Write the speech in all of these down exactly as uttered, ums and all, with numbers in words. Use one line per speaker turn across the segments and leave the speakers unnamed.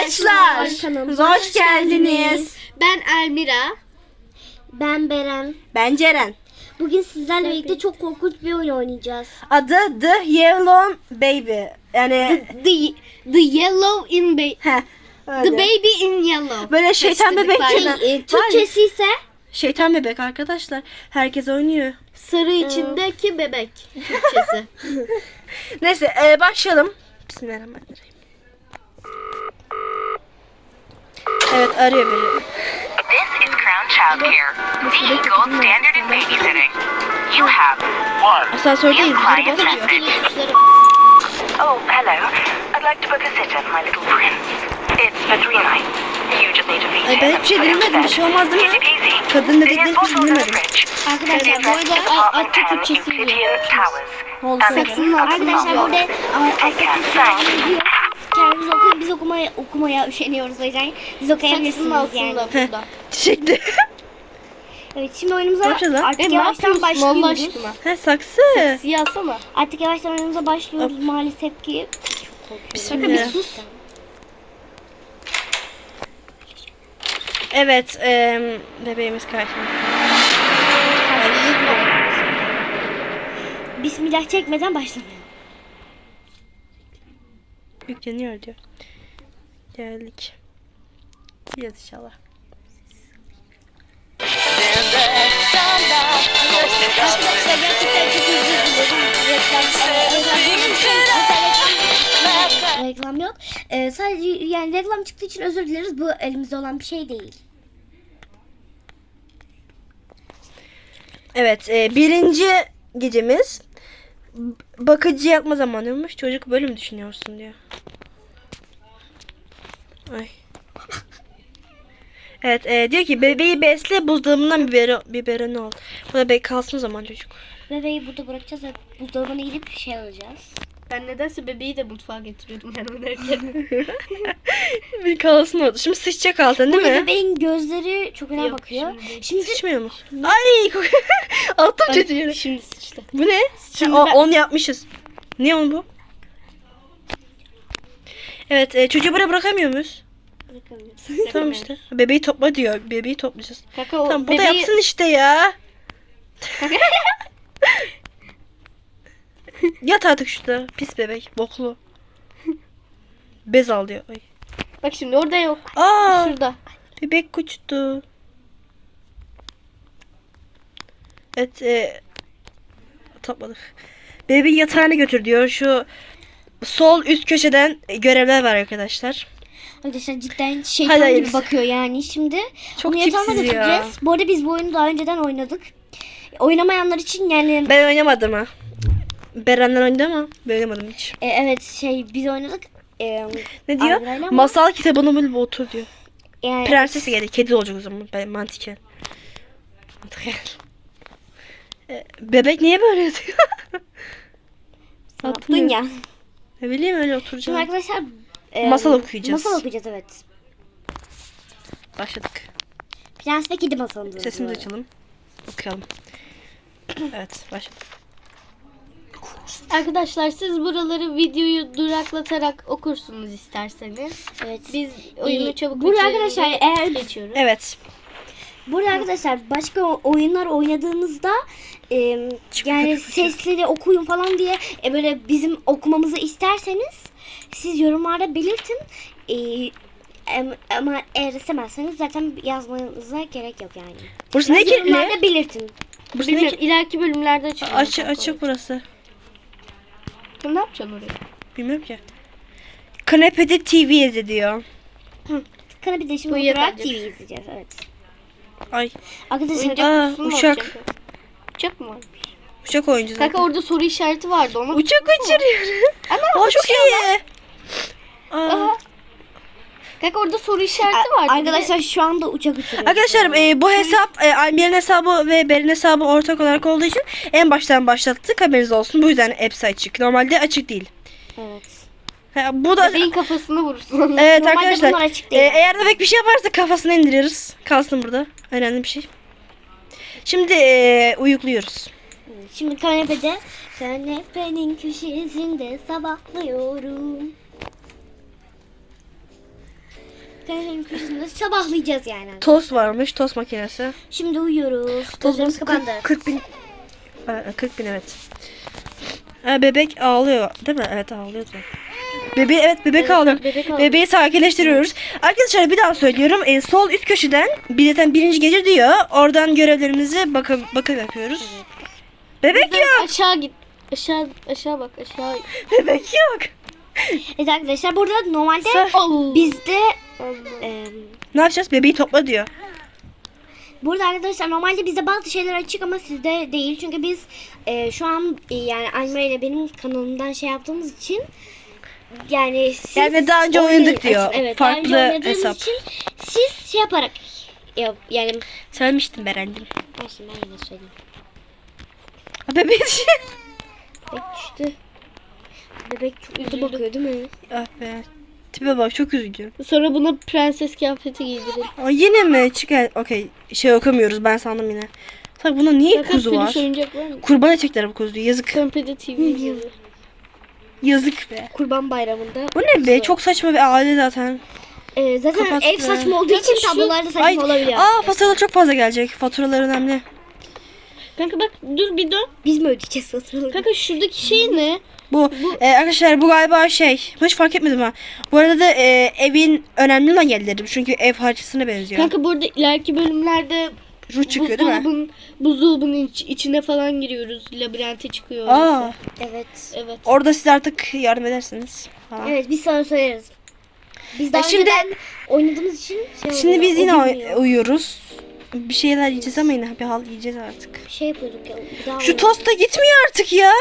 Arkadaşlar,
kanalımıza
hoş geldiniz.
Ben Elmira.
Ben Beren.
Ben Ceren.
Bugün sizlerle birlikte çok korkunç bir oyun oynayacağız.
Adı The Yellow Baby. Yani
The, the Yellow in ba-
heh, öyle.
The Baby in Yellow.
Böyle şeytan bebek
Var.
gibi.
E, Türkçesi ise
Şeytan bebek arkadaşlar. Herkes oynuyor.
Sarı içindeki bebek Türkçesi.
Neyse e, başlayalım. Bismillahirrahmanirrahim. Evet arıyor beni.
This is Crown Childcare, the gold standard in babysitting. You have one
Asansördeyiz.
new
Biri
client
basıyor.
message. Oh, hello. I'd like to book a sitter for my little prince. It's for three nights. You just need to feed
Ay, ben hiçbir şey dinlemedim. Bir şey olmaz değil mi?
Easy peasy.
Kadın dedikleri hiç
There's bottles in the
dinlemedim.
fridge.
Arkadaşlar bu arada
Department
Atça
ten,
Türkçesi
Obsidian
biliyor.
Towers.
Oldu
And
sana.
the-
arkadaşlar burada
Take care. Thanks.
kendimiz okuyup biz okumaya okumaya üşeniyoruz o yüzden biz
Saksının
okuyabilirsiniz yani.
altında burada.
Çiçekli.
Evet şimdi oyunumuza
Ne yapacağız lan?
artık
E, ne
yavaştan
yapıyorsun Allah
başlıyoruz.
aşkına?
He saksı.
Siyasana.
Artık yavaştan oyunumuza başlıyoruz maalesef ki.
Bismillah.
sus.
Evet e, bebeğimiz karşımızda.
Bismillah çekmeden başlamayalım.
Yükleniyor diyor. Geldik. Gideceğiz inşallah.
Arkadaşlar gerçekten çok özür dilerim. Reklam, reklam yok. Ee, sadece yani reklam çıktığı için özür dileriz. Bu elimizde olan bir şey değil.
Evet e, birinci gecemiz B- bakıcı yapma zamanıymış. Çocuk böyle mi düşünüyorsun diyor. Ay. Evet e, diyor ki bebeği besle buzdolabından biberi, biberini al. Bu da bebek kalsın o zaman çocuk.
Bebeği burada bırakacağız ve buzdolabına gidip bir şey alacağız.
Ben nedense bebeği de mutfağa getiriyordum ben oynarken.
Bir kalsın orada. Şimdi sıçacak altın değil
Burada
mi?
bebeğin gözleri çok önemli
Yok,
bakıyor.
şimdi değil.
Şimdi,
Sıçmıyor mu? Ay attım çocuğu yere.
Şimdi sıçtı.
Bu ne?
Şimdi
o,
ben-
on yapmışız. Ne on bu? Evet e, çocuğu buraya bırakamıyor muyuz? Tamam işte. Bebeği topla diyor. Bebeği toplayacağız.
Kaka o
Tamam bu da
bebeği...
yapsın işte ya. Yat artık şurada. Pis bebek. Boklu. Bez al diyor. Ay.
Bak şimdi orada yok.
Aa,
Şurada.
bebek uçtu. Evet. E, topladık. Bebeği yatağına götür diyor. Şu sol üst köşeden görevler var arkadaşlar.
arkadaşlar cidden
Hadi
şeytan gibi
hayırlısı.
bakıyor yani. Şimdi
Çok
onu yatağına
tipsiz ya.
götüreceğiz. Bu arada biz bu oyunu daha önceden oynadık. Oynamayanlar için yani
Ben oynamadım ha. Berenler oynadı ama ben oynamadım hiç.
e, evet şey biz oynadık. E,
Ne diyor?
Ayrılayla ama-
Masal kitabını bulup otur diyor.
yani
Prenses geldi. Kedi olacak o zaman. Ben mantıken. Mantıken. E, bebek niye böyle yatıyor?
yaptın ya.
Ne bileyim öyle
Şimdi
oturacağım.
arkadaşlar e,
Masal okuyacağız.
Masal okuyacağız evet.
Başladık.
Prens ve Kedi masalında.
Sesimizi açalım. Okuyalım. Evet başladık.
Arkadaşlar siz buraları videoyu duraklatarak okursunuz isterseniz.
Evet.
Biz oyunu
Ee,
çabuk
burada
bitirelim
arkadaşlar
diye
eğer
geçiyoruz.
Evet.
Burada arkadaşlar başka o- oyunlar oynadığınızda e, yani sesleri okuyun falan diye e, böyle bizim okumamızı isterseniz siz yorumlarda belirtin. E, em- ama eğer istemezseniz zaten yazmanıza gerek yok yani.
Burası ne
Siz
kirli?
yorumlarda belirtin.
Burası ne
Bilmiyorum,
kirli?
ileriki bölümlerde açıklayacağım.
Açık açık burası.
Ne yapacaksın oraya?
Bilmiyorum ki. Kanepede T V izle diyor.
Kanepede şimdi
Bu
oturarak
yeterli.
T V izleyeceğiz evet.
Ay
Arkadaşlar
Oyuncak
Aa,
kutusu mu
uçak.
olacak? Uçak mı var?
uçak oyuncu zaten.
Kanka orada soru işareti vardı. Onu
Uçak uçuruyor.
Ama
Aa, çok iyi. Aa.
Aha. Kanka orada soru işareti vardı.
arkadaşlar şu anda uçak uçuruyor.
Arkadaşlar e, bu hesap e, Almir'in hesabı ve Berin hesabı ortak olarak olduğu için en baştan başlattık, haberiniz olsun. Bu yüzden hepsi açık. Normalde açık değil.
Evet.
Ha, bu da
Bebeğin kafasını vurursun.
evet
Normalde
arkadaşlar.
bunlar açık
e,
değil.
eğer bebek bir şey yaparsa kafasını indiriyoruz. Kalsın burada. Önemli bir şey. Şimdi e, uyukluyoruz.
Şimdi kanepede, kanepenin köşesinde sabahlıyorum. kanepenin köşesinde sabahlayacağız yani.
Tost varmış, tost makinesi.
Şimdi uyuyoruz. Gözlerimiz
Tostumuz
kapandı.
kırk bin. Ee, kırk bin evet. Ee, bebek ağlıyor değil mi? Evet ağlıyordu. Bebeği evet bebek ağlıyor.
bebek ağlıyor.
Bebeği sakinleştiriyoruz. Arkadaşlar bir daha söylüyorum. Ee, sol üst köşeden bileten birinci gece diyor. Oradan görevlerimizi bakım bakım yapıyoruz. Bebek yok.
Aşağı git. Aşağı aşağı bak aşağı.
Bebek yok.
Evet arkadaşlar burada normalde
Sen-
Allah.
bizde
Allah.
e,
Ne yapacağız? Bebeği topla diyor.
burada arkadaşlar normalde bizde bazı şeyler açık ama sizde değil. Çünkü biz e, şu an e, yani Almira ile benim kanalımdan şey yaptığımız için yani siz
Yani daha önce
oynayın-
oynadık diyor.
Evet, daha önce
Farklı
oynadığınız
hesap.
için siz şey yaparak yap, yani
Söylemiştim Beren'cim.
olsun ben yine söyleyeyim.
Bebeği düşün.
Bebek düştü. Bebek çok kötü
Üzüldüm.
bakıyor değil mi?
Ah be. Tipe bak çok üzücü.
Sonra buna prenses kıyafeti giydirin.
Aa, yine mi? Çıkar. Okey. Şey okumuyoruz ben sandım yine. Tabii bunda niye
Bakın
kuzu var?
peluş oyuncak var mı?
Kurban edecekler bu kuzuyu. Yazık.
Komple T V yazıyor.
Yazık be.
Kurban Bayramı'nda.
Bu ne be? Çok saçma bir aile zaten.
Ee, zaten
Kapat
ev
be.
saçma olduğu için
Şu-
tablolar da saçma
Ay,
olabiliyor.
aa fatura çok fazla gelecek. Faturalar önemli.
Kanka bak dur bir dön.
Biz mi ödeyeceğiz faturaları?
Kanka şuradaki şey ne?
Bu, e, arkadaşlar bu galiba şey. Hiç fark etmedim ha. Bu arada da e, evin önemli olan yerleri. Çünkü ev harçlığına benziyor.
Kanka burada ileriki bölümlerde
Ruh çıkıyor değil mi?
buzdolabın, buzdolabının iç- içine falan giriyoruz. Labirente çıkıyor.
Aa,
orası.
Evet.
Evet.
orada siz artık yardım edersiniz. Falan.
Evet biz sana söyleriz. Biz daha
E şimdi-
önceden oynadığımız için şey
Şimdi
oluyor,
biz
o
yine
bilmiyor.
uy- uyuyoruz. Bir şeyler yiyeceğiz ama yine bir hal yiyeceğiz artık.
şey yapıyorduk ya. Bir daha
Şu
oynayalım.
tost da gitmiyor artık ya.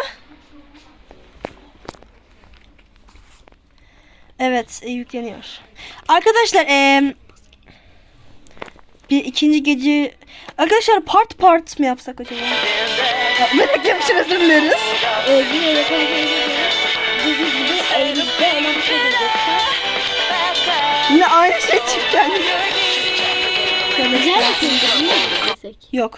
Evet e, yükleniyor. Arkadaşlar e, bir ikinci gece arkadaşlar part part mı yapsak acaba? Merak yapmışım özür dileriz.
Ee, bir yere koyacağız. Biz biz gibi elimizde hemen bir şey diyecek.
Yine aynı şey çıktı.
Güzel bir film değil mi?
Yok.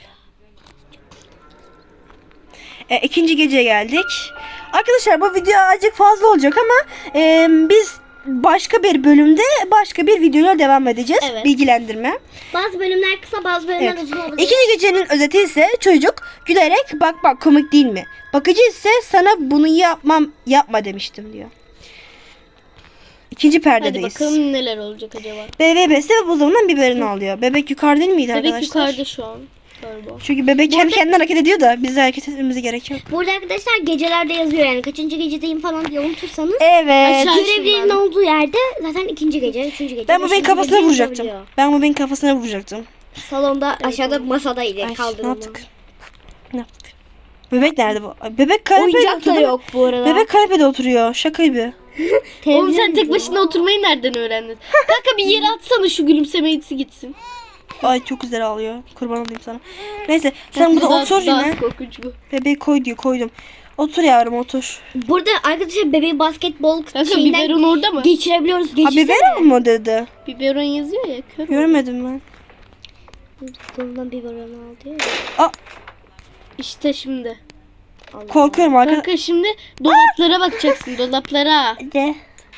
E, ikinci geceye geldik. Arkadaşlar bu video azıcık fazla olacak ama e, biz başka bir bölümde başka bir videoya devam edeceğiz.
Evet.
Bilgilendirme.
Bazı bölümler kısa, bazı bölümler
Evet.
uzun olacak.
İkinci gecenin özeti ise çocuk gülerek bak bak komik değil mi? Bakıcı ise sana bunu yapmam yapma demiştim diyor. İkinci
Hadi
perdedeyiz.
bakalım neler olacak acaba.
Bebek beste ve buzdolabından biberini alıyor. Bebek yukarı değil miydi
Bebek
arkadaşlar?
yukarıda şu an. Galiba.
Çünkü bebek kendi kendine hareket ediyor da biz de hareket etmemize gerek yok.
Burada arkadaşlar gecelerde yazıyor yani kaçıncı gecedeyim falan diye unutursanız.
Evet.
Aşağı-
Görevlerin
şundan.
olduğu yerde zaten ikinci gece, üçüncü gece.
Ben bu benim
beşinci
kafasına
gece
vuracaktım.
yazabiliyor.
Ben bu benim kafasına vuracaktım.
Salonda aşağıda masadaydı
Ay, ne
kaldırılma.
yaptık? Ne yaptık? Bebek nerede bu? Ay, Bebek kanepede
Oyuncak da
oturuyor.
yok bu arada.
Bebek kanepede oturuyor. Şaka gibi.
Oğlum sen
Televizyon
tek başına oturmayı nereden öğrendin? Kanka bir yere atsana şu gülümsemeyisi gitsin.
Ay çok güzel ağlıyor. Kurban olayım sana. Neyse sen burada
Daha-
otur
daha
yine.
korkunç bu.
Bebeği koy diyor koydum. Otur yavrum otur.
Burada arkadaşlar bebeği basketbol
Kanka
şeyinden
biberon orada mı?
geçirebiliyoruz.
Ha
Geçirsene.
biberon mu dedi?
Biberon yazıyor ya. Kör mü?
Görmedim ben.
Kolundan biberon al diyor.
İşte şimdi.
Allah.
Korkuyorum arkadaşlar.
Kanka şimdi dolaplara bakacaksın dolaplara.
De.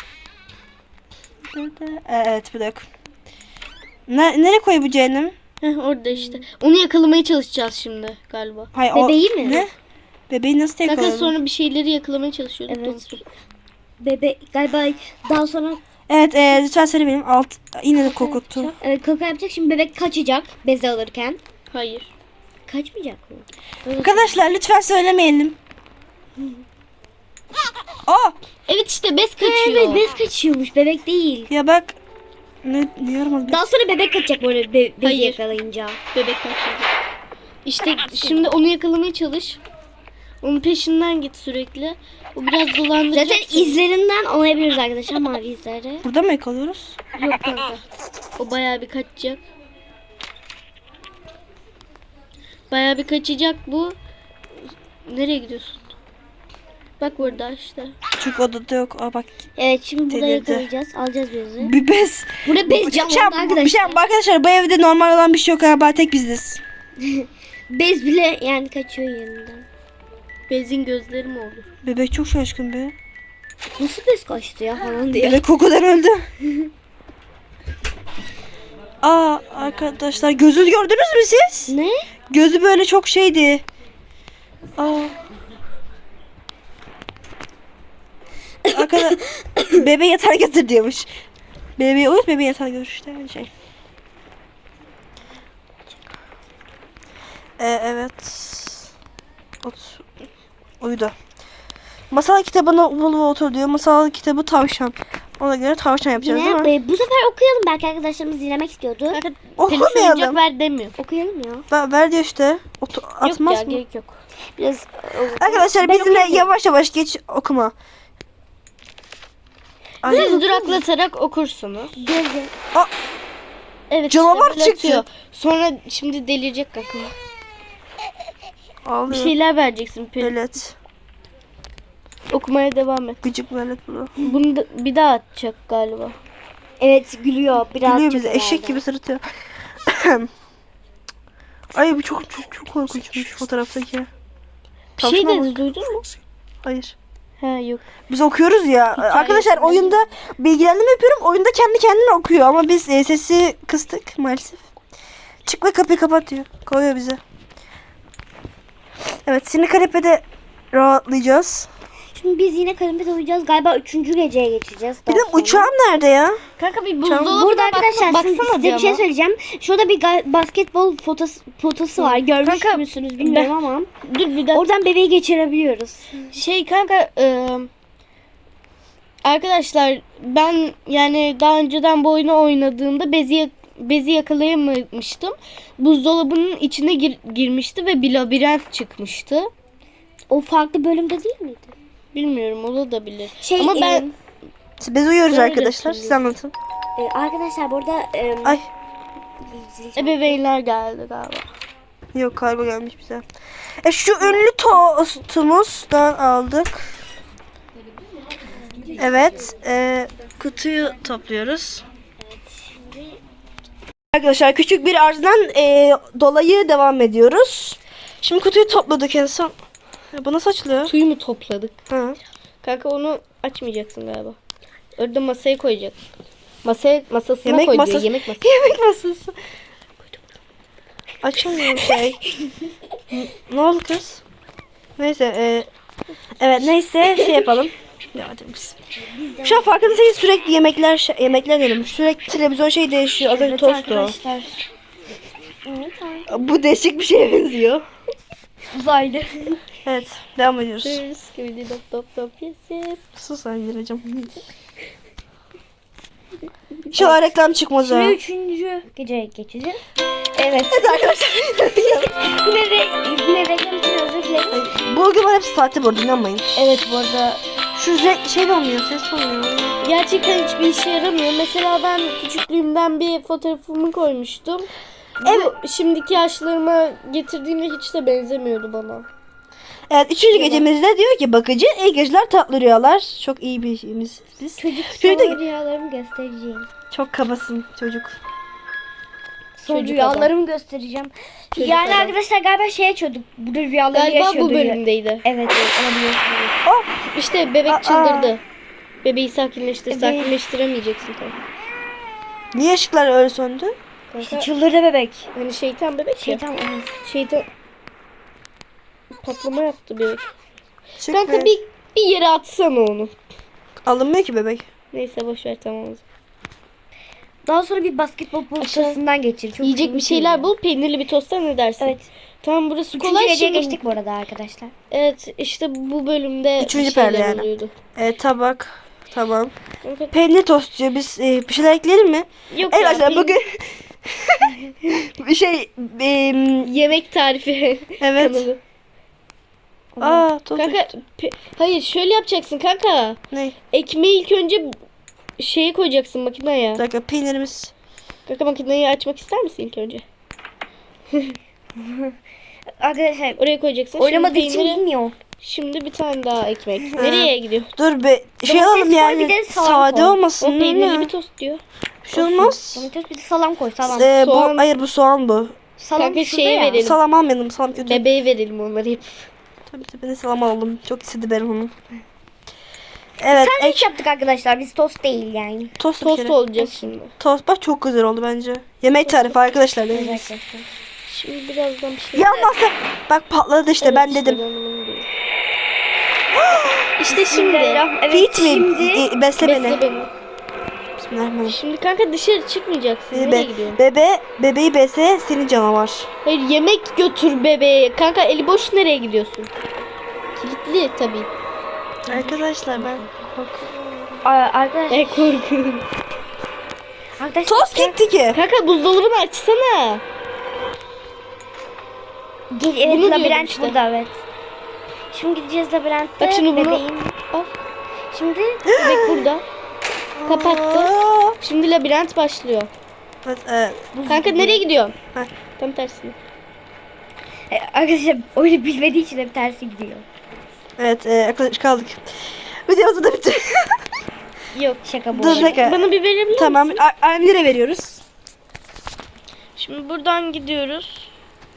Evet bir dakika. Ne, nereye koy bu cehennem?
Heh, orada işte. Onu yakalamaya çalışacağız şimdi galiba.
Hayır,
Bebeği
o,
mi?
Ne? Bebeği nasıl
Kanka
yakaladın?
sonra bir şeyleri yakalamaya çalışıyorduk.
Evet.
unuttum.
Bebe galiba daha sonra
Evet e, lütfen söyle benim alt yine de korkuttu.
evet, kaka yapacak. Şimdi bebek kaçacak beze alırken.
Hayır.
Kaçmayacak mı?
Arkadaşlar lütfen söylemeyelim. Aa
Evet işte bez kaçıyor.
Evet bez kaçıyormuş bebek değil.
ya bak ne diyorum az
Daha sonra bebek kaçacak böyle be bezi
Hayır.
yakalayınca.
Bebek kaçıyor. İşte şimdi onu yakalamaya çalış. Onun peşinden git sürekli. O biraz dolandıracak.
Zaten izlerinden anlayabiliriz arkadaşlar mavi izleri.
burada mı yakalıyoruz?
Yok kanka. O bayağı bir kaçacak. Bayağı bir kaçacak bu. Nereye gidiyorsun? Bak burada işte.
Çünkü odada yok. Aa bak
Evet şimdi burada
Delirdi.
yakalayacağız. Alacağız bezi.
bir bez.
Burada bez
Bir şey,
canlandı arkadaşlar.
bir şey, arkadaşlar bu evde normal olan bir şey yok galiba tek biziz.
Bez bile yani kaçıyor yanından.
Bezin gözleri mi olur?
Bebek çok şaşkın be.
Nasıl bez kaçtı ya falan diye.
Bebek kokudan öldü. Aa arkadaşlar gözü gördünüz mü siz?
Ne?
Gözü böyle çok şeydi. Aa. Arkadaşlar bebe yatağa götür diyormuş. Bebeği uyut, bebeği yatağa götür işte öyle şey. Ee, evet. Ot. Uyudu. Masal kitabına bul otur diyor. Masal kitabı tavşan. Ona göre tavşan yapacağız
Yine
değil mi?
e, bu sefer okuyalım. Belki arkadaşlarımız dinlemek istiyordu.
Kanka peluş
Okumayalım.
oyuncak ver demiyor.
Okuyalım ya.
Ver, ver diyor işte. Otu,
Yok
atmaz
ya
mı?
gerek yok.
Biraz
Arkadaşlar
Ben
bizimle
okuyayım.
yavaş yavaş geç okuma. Ay,
Siz duraklatarak okursunuz.
gözü.
Evet
Canavar
işte böyle
çıktı.
atıyor. Sonra şimdi delirecek kanka. Bir
ağlıyor.
şeyler vereceksin. Pel-
Velet.
Okumaya devam et.
Gıcık velet bu.
Bunu da bir daha atacak galiba.
Evet gülüyor. Biraz
Gülüyor
çok
bize. Eşek
herhalde.
gibi sırıtıyor. Ay bu çok çok çok korkunçmuş fotoğraftaki.
Bir şey
Tavşana
dedi
bak.
duydun mu?
Hayır.
Ha yok.
Biz okuyoruz ya. Arkadaşlar oyunda bilgilendirme yapıyorum. Oyunda kendi kendine okuyor ama biz e, sesi kıstık maalesef. Çık ve kapıyı kapat diyor. Koyuyor bize. Evet, şimdi kanepede rahatlayacağız.
Şimdi biz yine kanepede uyuyacağız. Galiba üçüncü geceye geçeceğiz.
Bir
daha
de
sonra.
uçağım nerede ya?
Kanka bir
Burada
buzdolabına
arkadaşlar
bak,
siz-
baksana
size bir şey
ama.
söyleyeceğim. Şurada bir ga- basketbol fotosu, fotosu var. Görmüş
Kanka,
müsünüz bilmiyorum ama.
Dur bir dakika.
Oradan bebeği geçirebiliyoruz.
Şey kanka e, arkadaşlar ben yani daha önceden bu oyunu oynadığımda bezi bezi yakalayamamıştım. Buzdolabının içine gir- girmişti ve bir labirent çıkmıştı.
O farklı bölümde değil miydi?
Bilmiyorum olabilir.
Şey,
Ama ben
Biz uyuyoruz
Öyle
arkadaşlar. Siz
hatırlıyorum.
anlatın.
E, arkadaşlar burada e,
Ay
ebeveynler geldi galiba.
yok kargo gelmiş bize. E şu ünlü tostumuzdan aldık. Evet. E, kutuyu topluyoruz. Arkadaşlar küçük bir arızadan e, dolayı devam ediyoruz. Şimdi kutuyu topladık en son. Ya bu nasıl açılıyor?
Suyu mu topladık?
Ha.
Kanka onu açmayacaksın galiba. Orada masaya koyacaksın. Masaya masasına
Yemek
koy diyor,
masası.
yemek masası.
Yemek masası. Açamıyorum şey. N- ne oldu kız? Neyse. E, evet neyse şey yapalım. Ya hadi biz. Şu an farkındaysanız sürekli yemekler şey- yemekler diyorum. Sürekli televizyon şey değişiyor. Az önce
evet,
tostu.
arkadaşlar. Evet, arkadaşlar.
Bu değişik bir şeye benziyor.
Uzaylı.
Evet devam ediyoruz.
Cheers, skibidi dop dop dop, yes yes.
Sus Aygir'cim. İnşallah reklam çıkmaz ha.
Şimdi üçüncü geceye geçeceğiz. Evet.
Evet arkadaşlar.
yine, re, yine reklam için özür dilerim.
Bu argüman hepsi sahte bu arada inanmayın.
Evet bu arada.
Şu re- şey de olmuyor, ses de olmuyor.
Gerçekten hiçbir işe yaramıyor. Mesela ben küçüklüğümden bir fotoğrafımı koymuştum. Evet. Bu şimdiki yaşlarıma getirdiğimde hiç de benzemiyordu bana.
Evet üçüncü gecemizde diyor ki bakıcı iyi geceler tatlı rüyalar. Çok iyi bir şeyimiz biz.
Çocuk
Çocuk da-
sana rüyalarımı göstereceğim.
Çok kabasın çocuk.
Sonra
Çocuk
rüyalarımı göstereceğim.
Çocuk
yani
adam.
arkadaşlar galiba şey açıyorduk. Burada rüyaları
Galiba
yaşıyordu.
bu bölümdeydi.
Evet, evet olabilir.
Oh!
İşte bebek
Aa.
çıldırdı. Bebeği sakinleştir.
Evet.
Sakinleştiremeyeceksin tabii.
Niye ışıklar öyle söndü?
Kanka,
Çıldırdı bebek.
hani şeytan bebek ya.
Şeytan evet.
Şeytan patlama yaptı bebek.
Çık
Kanka
be.
bir, bir yere atsana onu.
Alınmıyor ki bebek.
Neyse boşver tamam.
Daha sonra bir basketbol potasından geçir. Çok
Yiyecek bir
keyifli.
şeyler bul. Peynirli bir tosta ne dersin?
Evet.
Tamam burası
Üçüncü
kolay
geceye
şimdi.
geçtik bu arada arkadaşlar.
Evet işte bu bölümde
Üçüncü
bir şeyler
perde yani.
oluyordu.
E, tabak. Tamam.
Kanka,
Peynir tost diyor. Biz e, bir şeyler ekleyelim mi?
yok
Evet
ya,
arkadaşlar
peynir-
bugün bir şey em,
yemek tarifi
evet.
kanalı.
Aa tost.
Kanka pe- hayır şöyle yapacaksın kanka.
Ne?
Ekmeği ilk önce şeye koyacaksın makineye.
Bir dakika peynirimiz.
Kanka makineyi açmak ister misin ilk önce?
Arkadaşlar
Oraya koyacaksın.
oynamadığı
Şimdi
için
peyniri-
bilmiyor.
Şimdi bir tane daha ekmek.
Ha.
Nereye gidiyor?
Dur be şey
Domates
alalım
koy,
yani.
bir de salam
Sade
koy.
O
olmasın. değil
peynirli
mi?
bir tost diyor.
Bir şey olmaz.
Domates bir de salam koy salam.
Ee,
Soğan-
bu hayır bu soğan bu.
Salam
Kanka
şurada
şeye
ya.
verelim.
Salam almayalım. Salam kötü.
Bebeğe verelim onları hep.
Tabii tabii ben de salam alalım. Çok istedi benim onu. Evet.
Sandviç
Ek,
yaptık arkadaşlar. Biz tost değil yani.
tost, bir
Tost
kere.
olacak şimdi.
Tost bak çok güzel oldu bence. Yemek tarifi arkadaşlar.
Evet
deneyin.
arkadaşlar.
Şimdi birazdan bir şey...
Yanmazsa bak patladı işte
Evet,
ben
işte
dedim.
ben onu diyorum. İşte şimdi.
Evet,
Feed mi?
şimdi
E, Besle beni.
Besle beni.
Bismillahirrahmanirrahim.
Şimdi kanka dışarı çıkmayacaksın.
Be,
Nereye gidiyorsun?
bebe, bebeği besle seni canavar.
Hayır, yemek götür bebeğe. Kanka eli boş nereye gidiyorsun? Kilitli tabii.
Arkadaşlar ben korkuyorum.
Aa, arkadaşlar,
E korkuyorum.
arkadaşlar
Tost gitti ki.
Kanka buzdolabını açsana.
Gel, evet,
Bunu diyordum
labirent
işte.
burada evet. Şimdi gideceğiz labirentte.
Bak şimdi bunu-
Bebeğin.
Al.
Şimdi
Bebek burada. Kapattı.
Aa.
Şimdi labirent başlıyor.
Evet, evet.
Kanka nereye gidiyorsun?
Heh.
Tam tersine.
e, arkadaşlar oyunu bilmediği için hep tersi gidiyor.
Evet, e, arkadaş kaldık. Videomuz da bitti.
Yok.
Şaka bu.
Dur,
arada.
dakika.
Bana bir verebilir misin?
Tamam, Amir'e veriyoruz.
Şimdi buradan gidiyoruz.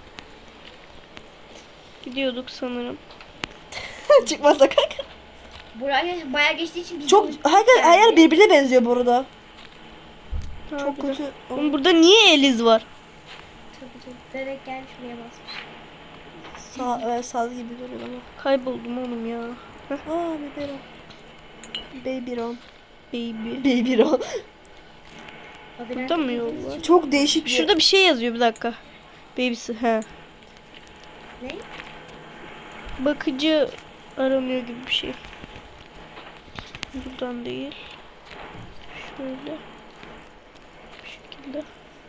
Gidiyorduk sanırım.
Çıkmazsa kanka.
Buraya bayağı geçtiği için biz
Çok, her, her yer birbirine benziyor bu arada.
Ha,
Çok
bir de-
kötü.
Oğlum burada niye Eliz var?
direkt gelmiş buraya basmış.
Sağ, evet, sağ gibi duruyor ama.
Kayboldum oğlum ya.
Aa, biberon. Babyron.
Baby.
Babyron.
Burada mı yol var?
Çok değişik bir.
Şurada bir şey yazıyor bir dakika. Babysi he.
Ne?
Bakıcı aranıyor gibi bir şey. Buradan değil. Şöyle. Bu şekilde.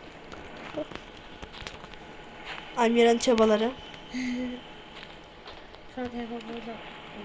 Amir'in çabaları.
Şu an telefon burada.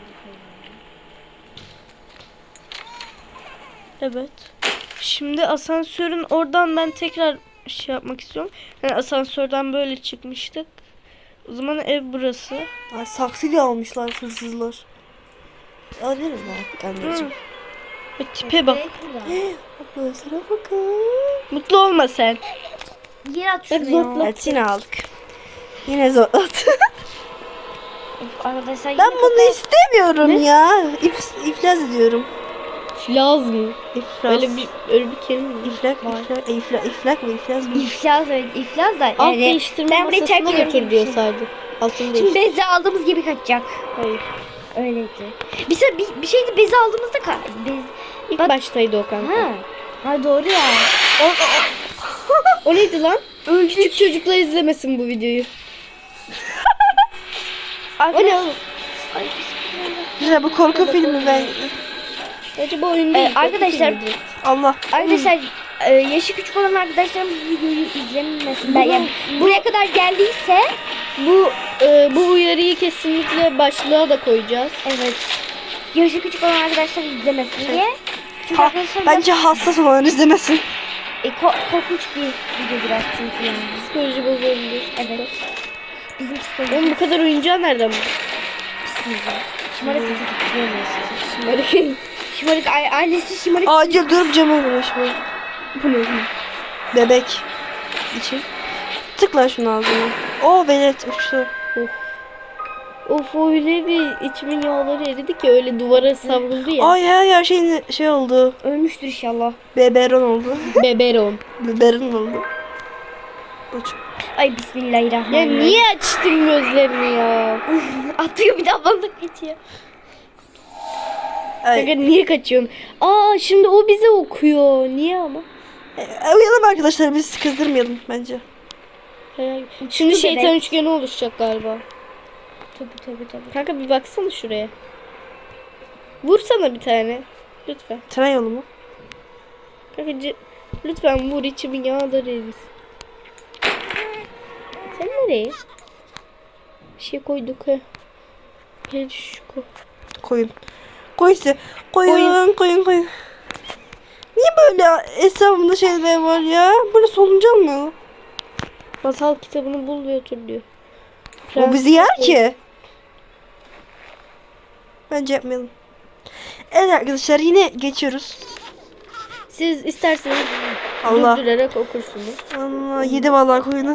Evet. Şimdi asansörün oradan ben tekrar şey yapmak istiyorum. Yani asansörden böyle çıkmıştık. O zaman ev burası.
Ay, saksıyla almışlar hırsızlar. Alırız mı artık anneciğim?
Ve tipe bak.
Arkadaşlara bakın.
Mutlu olma sen.
Yer at
Bak
şunu
zorla.
ya.
Evet, yine aldık. Yine zor at.
Arkadaşlar
Ben
yine
bunu istemiyorum ya. İf, iflas ediyorum.
Filaz mı?
İflas.
Öyle bir öyle bir kelime mi?
İflak, iflak, iflak, iflak mı, iflas mı?
iflas evet iflas da
Alt
yani
değiştirme
ben burayı terk
masasına
ediyorum
götür
gibi
diyor
bir şey.
sadece. Altını
Şimdi
değiştir.
bezi aldığımız gibi kaçacak.
Hayır.
Öyleydi. Bir, se- bir, bir şeydi bezi aldığımızda ka- bez...
İlk
Bak-
baştaydı o kanka.
Ha. Ha doğru ya.
O neydi lan? Küçük çocuklar izlemesin bu videoyu. O ne oğlum?
Güzel, bu korku filmi ben.
Acaba oyun
Ee,
değil.
arkadaşlar
Allah.
arkadaşlar e, yaşı küçük olan arkadaşlarımız videoyu izlemesinler. Yani buraya kadar geldiyse
Bu e, bu uyarıyı kesinlikle başlığa da koyacağız.
evet. Yaşı küçük olan arkadaşlar izlemesin diye. Çünkü
Ha,
arkadaşlar
bence hassas olanlar izlemesin.
e, ko- korkunç bir video biraz çünkü yani.
Psikoloji bozulabilir.
Evet. Bizim
Oğlum
psikolojimiz
bu kadar oyuncağı nereden buldun?
şımarık bir çocuk diyemiyorsunuz.
Şımarık.
Şımarık a- ailesi şımarık.
Acil durup cama uğraşmayın.
Bu ne?
Bebek için. Tıkla şunu ağzına. Oo, velet uçtu.
Of öyle bir içimin yağları eridi ki öyle duvara savruldu ya.
Ay ya, her şey şey oldu.
Ölmüştür inşallah.
Beberon oldu.
Beberon.
Beberon oldu. Uç.
Ay
Ya
bismillahirrahmanirrahim.
niye açtın gözlerini ya?
Atıyor bir daha bana geçiyor.
Ay.
Kanka niye kaçıyorsun? Aa şimdi o bize okuyor. Niye ama?
E, uyalım arkadaşlar, biz kızdırmayalım bence.
Hayal. Şimdi
Uçtu
şeytan
bebek.
üçgeni oluşacak galiba.
Tabii tabii tabii.
Kanka bir baksana şuraya. Vursana bir tane. Lütfen.
Tren yolu mu?
Kanka c- lütfen vur, içimin yağları erisin. Sen nereye? Bir şey koyduk ha. Gel şu koy.
Koyun. Koy işte. Koyun, koyun, koyun. Niye böyle etrafında şeyler var ya? Böyle solucan mı?
Masal kitabını bul ve otur diyor.
O bizi yer ki. Bence yapmayalım. Evet arkadaşlar, yine geçiyoruz.
Siz isterseniz
Allah.
durdurarak okursunuz.
Allah, yedi vallahi koyunu.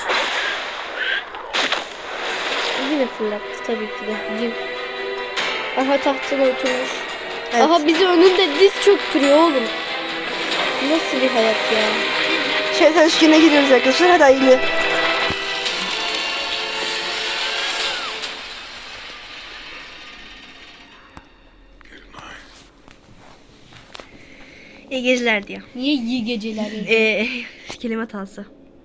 Yine fırlattı tabii ki de. Cin. Aha tahtına oturmuş.
Evet.
Aha bizi önünde diz çöktürüyor oğlum. Nasıl bir hayat ya?
Şeytan üçgenine giriyoruz arkadaşlar. Hadi hayırlı. İyi geceler diyor.
Niye iyi geceler?
Ee, kelime hatası.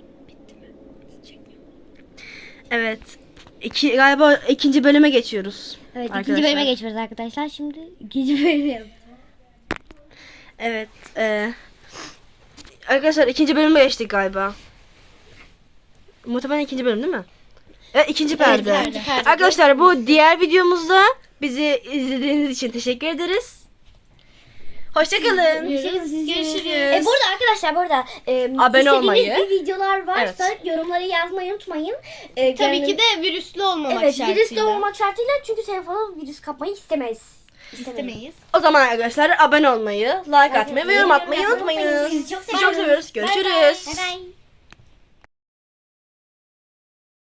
Evet. İki, galiba ikinci bölüme geçiyoruz.
Evet
arkadaşlar.
ikinci bölüme geçiyoruz arkadaşlar. Şimdi ikinci bölüme.
Evet. E, arkadaşlar ikinci bölüme geçtik galiba. Muhtemelen ikinci bölüm değil mi? Evet ikinci perde.
perde, perde.
Arkadaşlar bu diğer videomuzda bizi izlediğiniz için teşekkür ederiz. Hoşçakalın.
Görüşürüz.
E, burada arkadaşlar burada e,
Abone
istediğiniz
olmayı.
bir videolar varsa yorumlara yazmayı unutmayın. E,
Tabii
yani-
ki de virüslü olmamak
evet,
şartıyla.
virüsle olmak şartıyla çünkü telefona virüs kapmayı istemeyiz.
İstemeyiz.
O zaman arkadaşlar abone olmayı, like atmayı ve yorum atmayı
yapmayı
unutmayın.
Sizi çok
Sizi çok seviyoruz. Görüşürüz.
Bye bye.